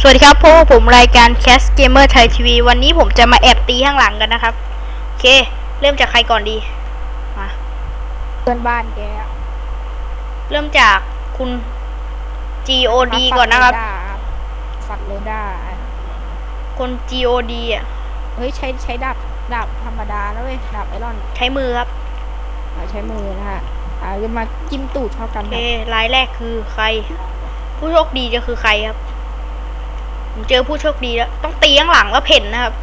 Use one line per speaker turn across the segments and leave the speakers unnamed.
สวัสดีครับพวกผมรายการ Cast Gamer Thai TV วันนี้ผมจะมาแอบตีข้างหลังกันนะครับโอเคเริ่มจากใครก่อนดีมา
เพื่อนบ้านแก
เริ่มจากคุณ GOD ก่อนนะครับ
ฝักโลด้า
คน GOD อ่ะ
เฮ้ยใช้ดาบธรรมดาแล้วเว้ยดาบไอรอน
ใช้มือครับ
ใช้มือนะฮะจะมาจิ้มตูดเท่ากัน
โอเครายแรกคือใครผู้โชคดีจะคือใครครับผมเจอผู้โชคดีแล้วต้องตีข้างหลังแล้วเพ่นนะครับ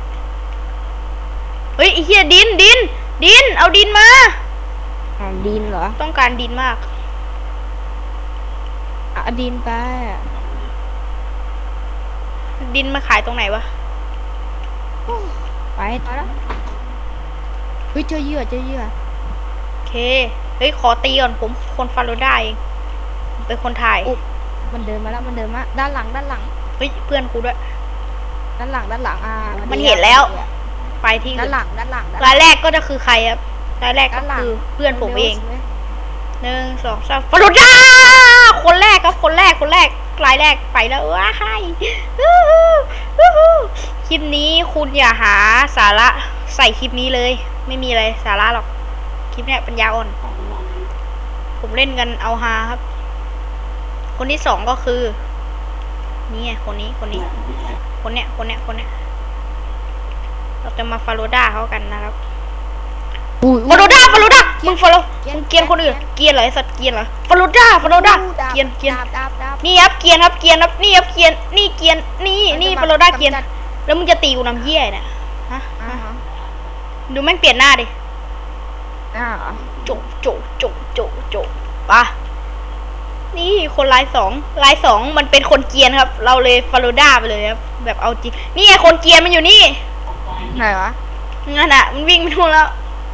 เฮ้ยไอ้เหี้ยดินเอาดินมา
ดินเหรอ
ต้องการดินมาก
ดินไป
ดินมาขายตรงไหนวะ
ไปแล้วเฮ้ยเจอเหยื่อ
โอเคเฮ้ยขอตีก่อนผมคนฟาโรด้าเองเป็นคนถ่าย
มันเดินมาแล้วด้านหลัง
เฮ้ยเพื่อนกูด้วย
ด้านหลัง
มันเห็นแล้วไปที่
ด้านหลัง
รายแรกก็จะคือใครครับรายแรกก็คือเพื่อนผมเอง1 2 3ฟาโรด้าคนแรกครับคนแรกรายแรกไปแล้วว้าไฮคลิปนี้คุณอย่าหาสาระใส่คลิปนี้เลยไม่มีอะไรสาระหรอกคลิปเนี้ยปัญญาอ่อนผมเล่นกันเอาฮาครับคนที่2ก็คือนี่ไงคนนี้เราจะมาฟาโรด้าเขากันนะครับฟาโรด้ามึงมึงเกียนคนอื่นเกียนเหรอไอสัตว์เกียนเหรอฟาโรด้าเกียนนี่ครับเกียนครับนี่ครับเกียนนี่เกียนนี่ฟาโรด้าเกียนแล้วมึงจะตีกูน้ำเยี่ยเนี่ยฮะดูแม่งเปลี่ยนหน้าดิโจปะนี่คนลายสองมันเป็นคนเกียนครับเราเลยฟาโรด้าไปเลยครับแบบเอาจริงนี่ไงคนเกียนมันอยู่นี่
ไหนวะ
งั้นอ่ะมันวิ่งไปนู่นแล้ว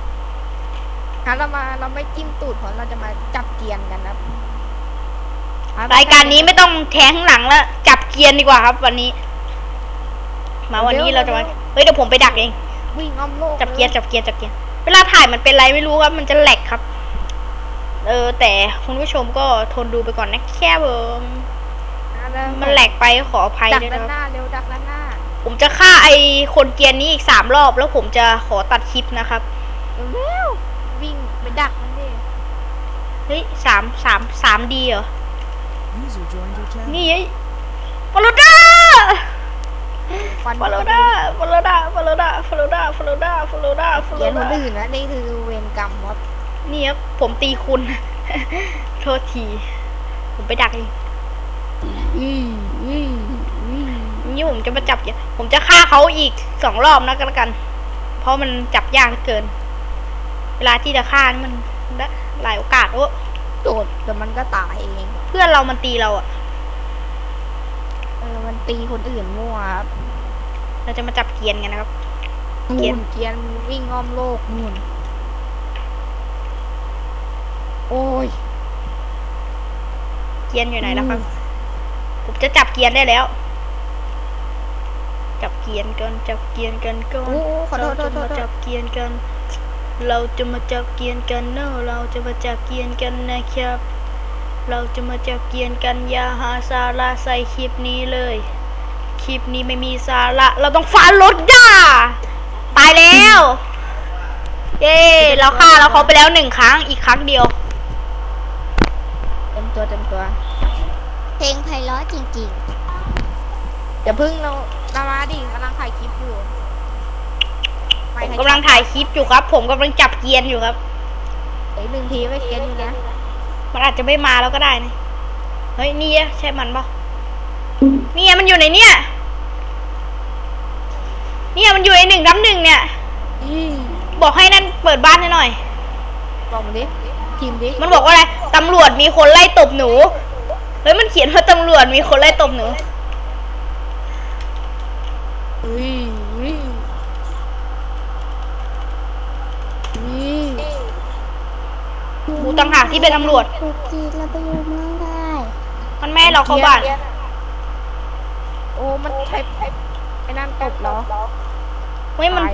เราไม่จิ้มตูดเพราะเราจะมาจับเกียนกันนะ
รายการนี้ไม่ต้องแทงข้างหลังแล้วจับเกียนดีกว่าครับวันนี้วันนี้เราจะมาเฮ้ยเดี๋ยวผมไปดักเอง
วิ่งอ้อมโลก
จับเกียนเวลาถ่ายมันเป็นไรไม่รู้ครับมันจะแหลกครับแต่คุณผู้ชมก็ทนดูไปก่อนนะแค่มันแหลกไปขออภัยด้วยนะครับ
ดักด้านหน้า
ผมจะฆ่าไอคนเกียนนี้อีก3 รอบแล้วผมจะขอตัดคลิปนะครับ
วิ่งไปดักมันดิ
เฮ้ย3 ดีเหรอนี่ฟาโรด้า
เกียนคนอื่นนะนี่คือเวรกรรมครับ
นี่ครับผมตีคุณโทษทีผมไปดักเองนี่ผมจะมาจับผมจะฆ่าเขาอีก2 รอบนะกันเพราะมันจับยากเกินเวลาที่จะฆ่ามันหลายโอกาส
โดดแต่มันก็ตายเอง
เพื่อนเรามันตีเราอ่ะ
มันตีคนอื่นมั่วครับ
เราจะมาจับเกียนกันนะครับ
เกียนวิ่งอ้อมโลกนู่นโอ้ย
เกียนอยู่ไหนแล้วครับผมจะจับเกียนได้แล้วจับเกียนกันก่อนเราจะมาจับเกียนกันเราจะมาจับเกียนกันเนอะเราจะมาจับเกียนกันนะครับเราจะมาจับเกียนกันอย่าหาสาระใส่คลิปนี้เลยคลิปนี้ไม่มีสาระเราต้องฟาโรด้าตายแล้วเย้เราฆ่าเขาไปแล้ว1 ครั้งอีกครั้งเดียว
เต็มตัว
เพลงไพเราะจริง
ๆอย่าพึ่งเรามาดิกำลังถ่ายคลิปอยู่
ผมกำลังถ่ายคลิปอยู่ครับผมกำลังจับเกียนอยู่ครับ
1 ทีไม่เกียนอยู่นะ
มันอาจจะไม่มาแล้วก็ได้นะเฮ้ยนี่ใช่มันปะนี่มันอยู่ในเนี่ยมันอยู่ใน1-1เนี่ยบอกให้นั่นเปิดบ้านให้หน่อย
บอกมันดิทีมดิ
มันบอกว่าอะไรตำรวจมีคนไล่ตบหนูเฮ้ยมันเขียนว่าตำรวจมีคนไล่ตบหนูกูต่างหากที่เป็นตำรวจ
เราไปอยู่เมืองได้
มันแม่เราเข้าบ้าน
โอ้มันใช้ไอ้นั่นตบเหรอ
เฮ้ยมัน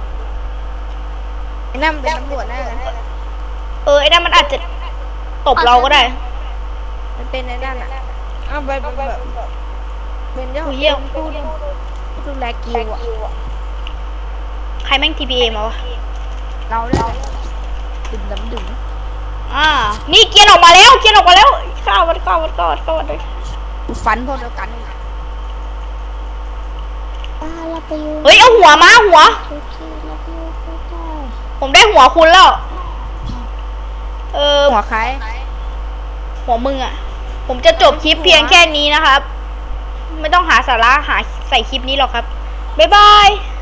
ไอ้นั่นเป็นตำรวจแน่เลย
ไอ้นั่นมันอาจจะตบเราก็ได้
มันเป็นไอ้นั่นอ่ะไปเป็นเจ้า
อุ้ยเหี้ย
ผู้ดูแลกิวอะ
ใครแม่ง TPA มาวะ
เราเนี่ยดื่มน้ำดื่ม
นี่เกียร์ออกมาแล้วข้าวมันเลย
ฟันพวกเดียวกัน
ป้าเราไปอยู่
เฮ้ยเอาหัวมาหัว
โอเคเราไปอยู่ก็ได้
ผมได้หัวคุณแล้ว
หัวใคร
หัวมึงอ่ะ ผมจะจบคลิปเพียงแค่นี้นะครับ ไม่ต้องหาสาระหาใส่คลิปนี้หรอกครับ บ๊ายบาย